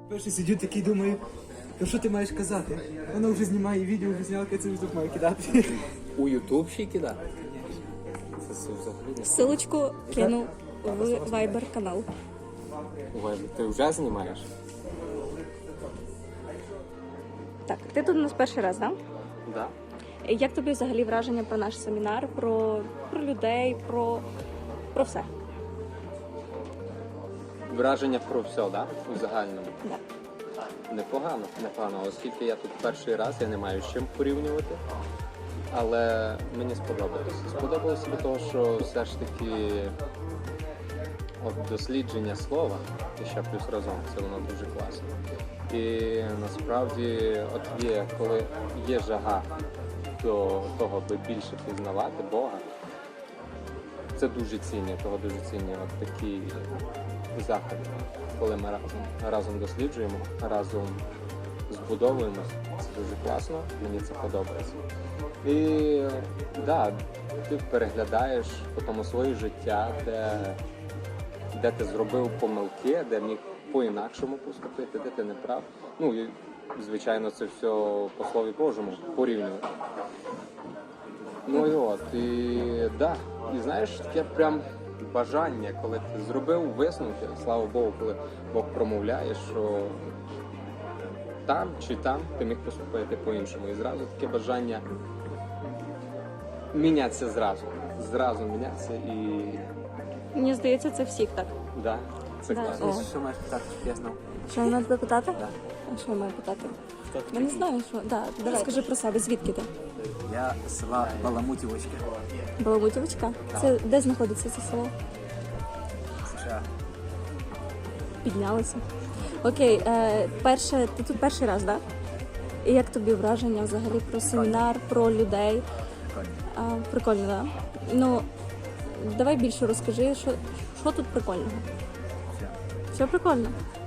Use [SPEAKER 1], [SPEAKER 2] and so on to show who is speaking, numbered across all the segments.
[SPEAKER 1] Перший сидю такий, думаю, то що ти маєш казати? Вона вже знімає відео, вже зняла, це вже тут має кидати.
[SPEAKER 2] У Ютуб ще кидати? Це взагалі не
[SPEAKER 3] Ссылочку кину в Viber канал.
[SPEAKER 2] Ой, ти вже знімаєш?
[SPEAKER 3] Так, ти тут у нас перший раз, так?
[SPEAKER 2] Да.
[SPEAKER 3] Як тобі взагалі враження про наш семінар, про людей, про все?
[SPEAKER 2] Враження про все, да? У загальному.
[SPEAKER 3] Да.
[SPEAKER 2] Непогано. Оскільки я тут перший раз, я не маю з чим порівнювати. Але мені сподобалося. Сподобалося від того, що все ж таки дослідження слова, і ще плюс разом, це воно дуже класно. І насправді, от коли є жага до того, аби більше пізнавати Бога, це дуже цінні, от такі заходи, коли ми разом досліджуємо, разом збудовуємося. Це дуже класно, мені це подобається. І да, ти переглядаєш потім своє життя, де ти зробив помилки, де міг по-інакшому поступити, де ти не прав. Ну і звичайно це все по Слові Божому порівнювати. Ну і от, і знаєш, таке прям бажання, коли ти зробив висновки, слава Богу, коли Бог промовляє, що там чи там ти міг поступити по-іншому. І зразу таке бажання мінятися зразу мінятися і...
[SPEAKER 3] Мені здається, це всіх так.
[SPEAKER 2] Да, це
[SPEAKER 3] Да.
[SPEAKER 2] класно.
[SPEAKER 3] О.
[SPEAKER 1] Що маєш питати, щоб я знав?
[SPEAKER 3] Що вона тебе питати?
[SPEAKER 1] Да.
[SPEAKER 3] А що я маю питати? Я не знаю, що. Да, давай, скажи про себе, звідки ти?
[SPEAKER 1] Я з села Баламутівочка,
[SPEAKER 3] Баламутівочка? Це де знаходиться це село?
[SPEAKER 1] США.
[SPEAKER 3] Піднялися. Окей, ти тут перший раз, так? Да? І як тобі враження взагалі про семінар, про людей? Прикольно, так? Да? Ну, давай більше розкажи, що тут прикольного? Все прикольно?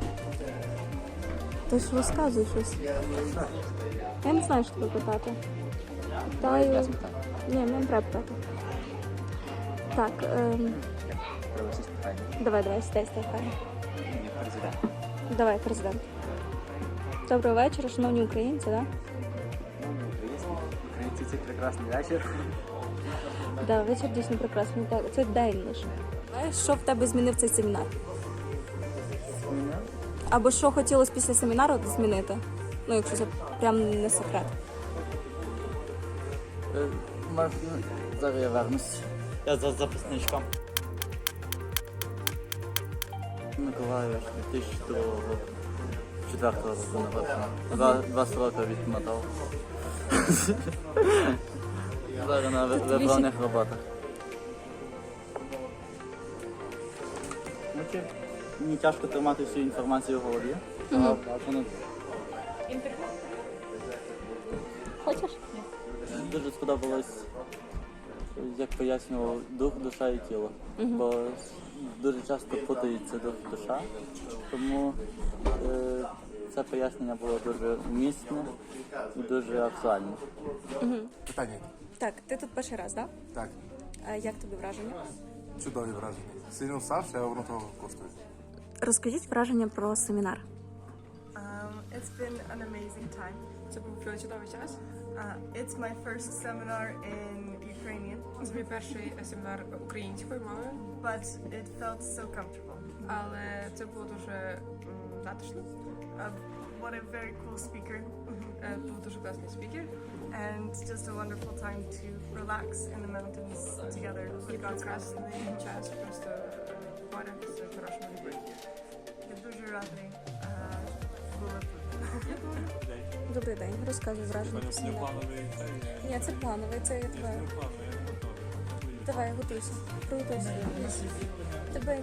[SPEAKER 3] Ти ж розказуй щось. Я не знаю, що тебе питати. Питаю... Ні, мені не треба питати. Так, давай, стай, хай.
[SPEAKER 1] Президент.
[SPEAKER 3] Давай, президент. Доброго вечора, шановні українці, так?
[SPEAKER 1] Українці, це прекрасний вечір.
[SPEAKER 3] Да, вечір дійсно прекрасний. Так, це день лише. Знаєш, що в тебе змінив цей семінар? Або що хотілося після семінару змінити? Ну, якщо це прям не секрет.
[SPEAKER 4] Зараз я вернусь. Я за записничком. Миколаїв 2002 року. 4-го року народження. 2 роки відмотав. Зараз на виправних роботах. Мені тяжко тримати всю інформацію в голові.
[SPEAKER 3] Хочеш?
[SPEAKER 4] Дуже сподобалось, як пояснював дух, душа і тіло. Бо дуже часто путається дух і душа, тому це пояснення було дуже вмісне і дуже актуальне.
[SPEAKER 5] Питання.
[SPEAKER 3] Так, ти тут перший раз, так?
[SPEAKER 5] Так,
[SPEAKER 3] А як тобі враження?
[SPEAKER 5] чудові враження. Сильно вставши, а воно того коштує.
[SPEAKER 3] Розкажіть враження про семінар.
[SPEAKER 6] It's been an amazing time.
[SPEAKER 7] Це був чудовий час.
[SPEAKER 6] It's my first seminar in Ukrainian,
[SPEAKER 7] Це мій перший семінар українською мовою,
[SPEAKER 6] but it felt so comfortable.
[SPEAKER 7] але це було дуже затишно.
[SPEAKER 6] What a very cool speaker,
[SPEAKER 7] Був дуже класний спікер.
[SPEAKER 6] and just a wonderful time to relax in the mountains together
[SPEAKER 7] І
[SPEAKER 6] with God's help.
[SPEAKER 7] прекрасний час просто поряд з хорошими людьми.
[SPEAKER 6] Я дуже радий була тут.
[SPEAKER 3] Добрий день, розказуй враження про семінар. Ні, це плановий, це я тебе. Давай, готуйся. Приготуйся. Тебе.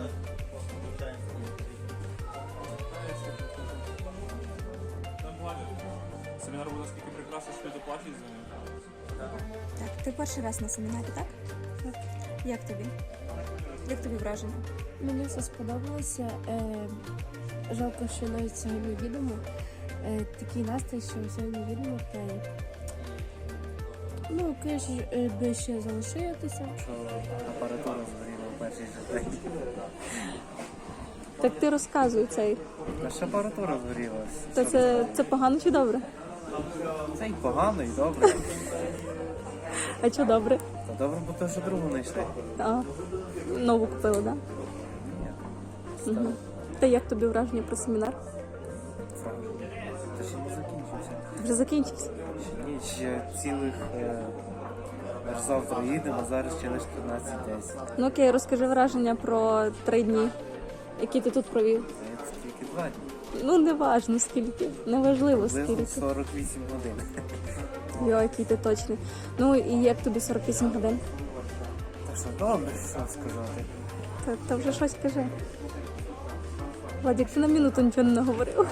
[SPEAKER 8] Семінар був наскільки прекрасний, що люди плачуть за ним.
[SPEAKER 3] Так, ти перший раз на семінарі, так? Так. Як тобі? Як тобі враження?
[SPEAKER 9] Мені все сподобалося. Жалко, що навіть сьогодні відомо. Такий настрій, що сьогодні відомо в плані. Ну, конечно, би ще залишитися.
[SPEAKER 4] Що апаратура згоріла в перший же день.
[SPEAKER 3] Так ти розказуй цей.
[SPEAKER 10] Наша апаратура згорілася.
[SPEAKER 3] То це погано чи добре?
[SPEAKER 10] Це і погано, і добре.
[SPEAKER 3] А що добре?
[SPEAKER 10] Та добре, бо то, що другу знайшли.
[SPEAKER 3] А, нову купили, так? Да? Угу. Та як тобі враження про семінар?
[SPEAKER 10] Та ще не закінчився.
[SPEAKER 3] Вже закінчився.
[SPEAKER 10] Ще ні, ще цілих... Аж завтра їдемо, а зараз ще лише 13:10.
[SPEAKER 3] Ну окей, розкажи враження про 3 дні, які ти тут провів.
[SPEAKER 10] Це тільки 2 дні.
[SPEAKER 3] Ну, не важно скільки, неважливо
[SPEAKER 10] Приблизно
[SPEAKER 3] скільки.
[SPEAKER 10] 48 годин.
[SPEAKER 3] Йо, який ти точний. Ну і як тобі 48 годин?
[SPEAKER 10] Так що добре, що сказати.
[SPEAKER 3] Та вже щось кажи. Владик, ти на минуту нічого не наговорив.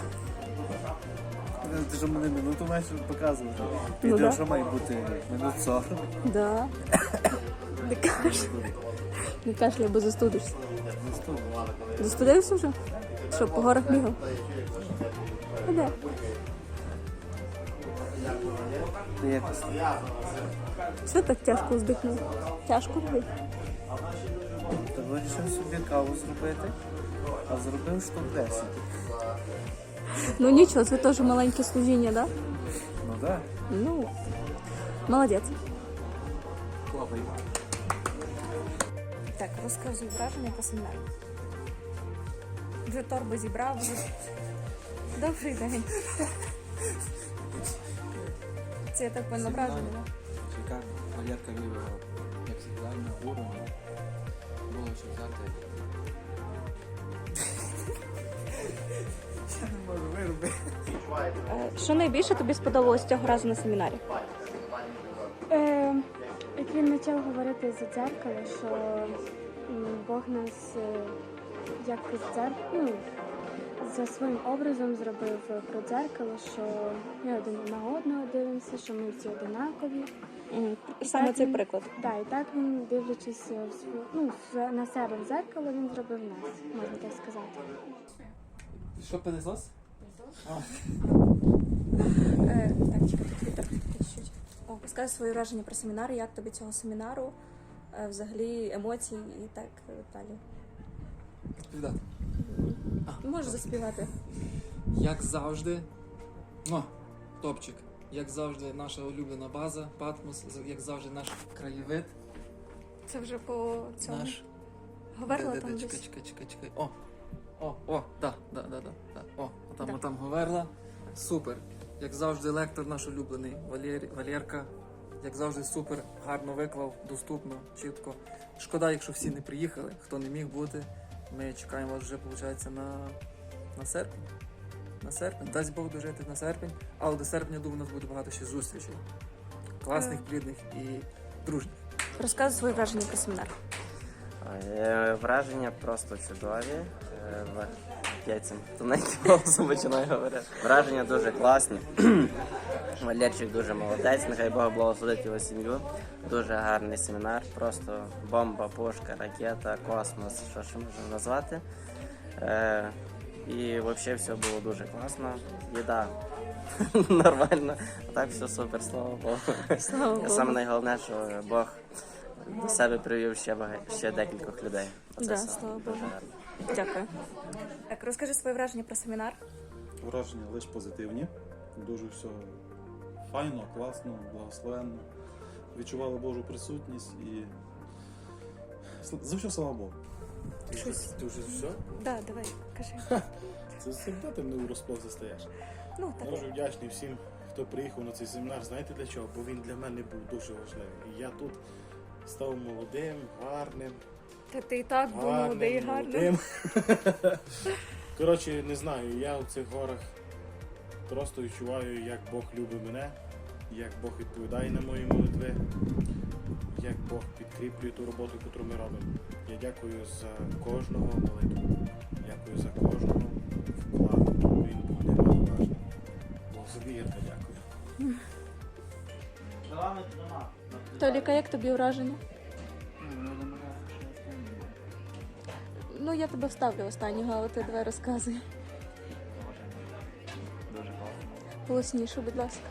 [SPEAKER 10] Ти ж мене минуту маєш показувати.
[SPEAKER 3] Ну,
[SPEAKER 10] Відео,
[SPEAKER 3] да.
[SPEAKER 10] що має бути минут 40.
[SPEAKER 3] Да. Не кашляй. Не кашляй, бо застудишся. Застудився вже? Що, по горах бігав? А де?
[SPEAKER 10] Та якось.
[SPEAKER 3] Що так тяжко здихнув? Тяжко робити?
[SPEAKER 10] Та вирішив собі каву зробити, а зробив штук 10.
[SPEAKER 3] Ну нічого, це теж маленьке служіння, да?
[SPEAKER 10] Ну так.
[SPEAKER 3] Ну, молодець. Так, розказуй враження по семінару. Вже торби зібрав. Добрий день. Це я так поняла враження, да?
[SPEAKER 1] Шикарно. Валерка вивела, як завжди, на уровень. Було що взяти. Я не можу виробити.
[SPEAKER 3] Що найбільше тобі сподобалось цього разу на семінарі?
[SPEAKER 9] Як він почав говорити за дзеркало, що Бог нас як за своїм образом зробив про дзеркало, що ми один на одного дивимося, що ми всі одинакові.
[SPEAKER 3] Саме
[SPEAKER 9] так
[SPEAKER 3] цей
[SPEAKER 9] він-
[SPEAKER 3] приклад.
[SPEAKER 9] Да, і так він, дивлячись на себе в дзеркало, він зробив нас, можна так сказати.
[SPEAKER 1] Що пилисос?
[SPEAKER 3] Так, чекай, тут вітер. Чуть-чуть. Розкажи свої враження про семінар, як тобі цього семінару, взагалі емоції і так далі.
[SPEAKER 1] Відповідати.
[SPEAKER 3] Можеш заспівати.
[SPEAKER 1] Як завжди, топчик. Як завжди, наша улюблена база, Патмос, як завжди, наш краєвид.
[SPEAKER 3] Це вже по цьому.
[SPEAKER 1] Наш.
[SPEAKER 3] Говорила
[SPEAKER 1] Де,
[SPEAKER 3] там
[SPEAKER 1] чекай,
[SPEAKER 3] десь.
[SPEAKER 1] чекай. Да. Там Говерла. Супер. Як завжди, лектор наш улюблений Валерка. Як завжди, супер, гарно виклав, доступно, чітко. Шкода, якщо всі не приїхали, хто не міг бути. Ми чекаємо вас вже, виходить, на серпень. На серпень. Дасть Бог дожити на серпень. Але до серпня, думаю, у нас буде багато ще зустрічей. Класних, плідних і дружніх.
[SPEAKER 3] Розказуй свої враження про семінар.
[SPEAKER 11] Враження просто чудові. Я цим тоненьким голосом починаю говорити. Враження дуже класні. Валерчик дуже молодець, нехай Бог благословить його сім'ю. Дуже гарний семінар, просто бомба, пушка, ракета, космос, що ще можна назвати. І взагалі все було дуже класно. Їда нормально, а так все супер, слава Богу.
[SPEAKER 3] Слава Богу.
[SPEAKER 11] Саме найголовніше, що Бог до себе привів ще декількох людей. Оце
[SPEAKER 3] Да,
[SPEAKER 11] все
[SPEAKER 3] слава
[SPEAKER 11] дуже
[SPEAKER 3] Богу.
[SPEAKER 11] гарно.
[SPEAKER 3] Дякую. Так, розкажи свої враження про семінар.
[SPEAKER 12] Враження лише позитивні. Дуже все файно, класно, благословенно. Відчували Божу присутність і за все слава Богу.
[SPEAKER 3] Щось.
[SPEAKER 12] Ти вже все?
[SPEAKER 3] Да, давай, кажи.
[SPEAKER 12] Це завжди ти мене у розплох застаєш.
[SPEAKER 3] Ну,
[SPEAKER 12] Я
[SPEAKER 3] так.
[SPEAKER 12] дуже вдячний всім, хто приїхав на цей семінар. Знаєте для чого? Бо він для мене був дуже важливий. І я тут став молодим, гарним.
[SPEAKER 3] Та ти і так був молодий і гарний.
[SPEAKER 12] Коротше, не знаю, я у цих горах просто відчуваю, як Бог любить мене, як Бог відповідає на мої молитви, як Бог підкріплює ту роботу, яку ми робимо. Я дякую за кожного молитву, дякую за кожного вклад. Він буде маловажний. Бог собі Ірка, дякую.
[SPEAKER 3] Толіка, як тобі враження? Ну, я тебе вставлю останнього, але ти давай розказуй.
[SPEAKER 4] Дуже класно.
[SPEAKER 3] Голосніше, будь ласка.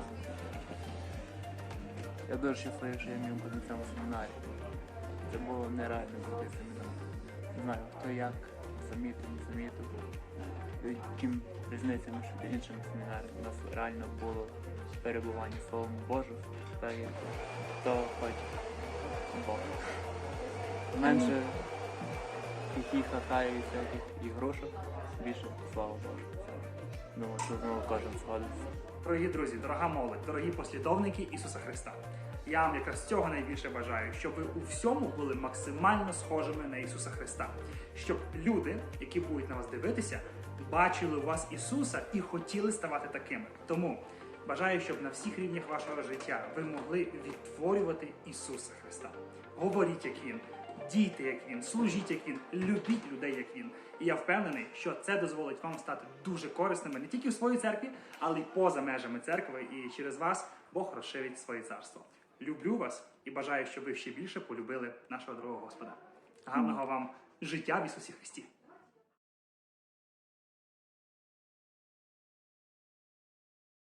[SPEAKER 4] Я дуже щасливий, що я міг бути на цьому семінарі. Це було нереально крутий семінар. Не знаю, хто як це замітив, не замітив. Чим різниця між іншими семінарами? У нас реально було перебування Словом Божим, та й то хоче Бог. Менше хі-хі-ха-ха і всяких ігрушок, більше слава Божу. Думаю, що знову кожен згодиться.
[SPEAKER 13] Дорогі друзі, дорога молодь, дорогі послідовники Ісуса Христа. Я вам якраз цього найбільше бажаю, щоб ви у всьому були максимально схожими на Ісуса Христа. Щоб люди, які будуть на вас дивитися, бачили у вас Ісуса і хотіли ставати такими. Тому бажаю, щоб на всіх рівнях вашого життя ви могли відтворювати Ісуса Христа. Говоріть, як Він, дійте, як Він, служіть, як Він, любіть людей, як Він. І я впевнений, що це дозволить вам стати дуже корисними не тільки в своїй церкві, але й поза межами церкви. І через вас Бог розширить своє царство. Люблю вас і бажаю, щоб ви ще більше полюбили нашого дорогого Господа. Гарного вам життя в Ісусі Христі!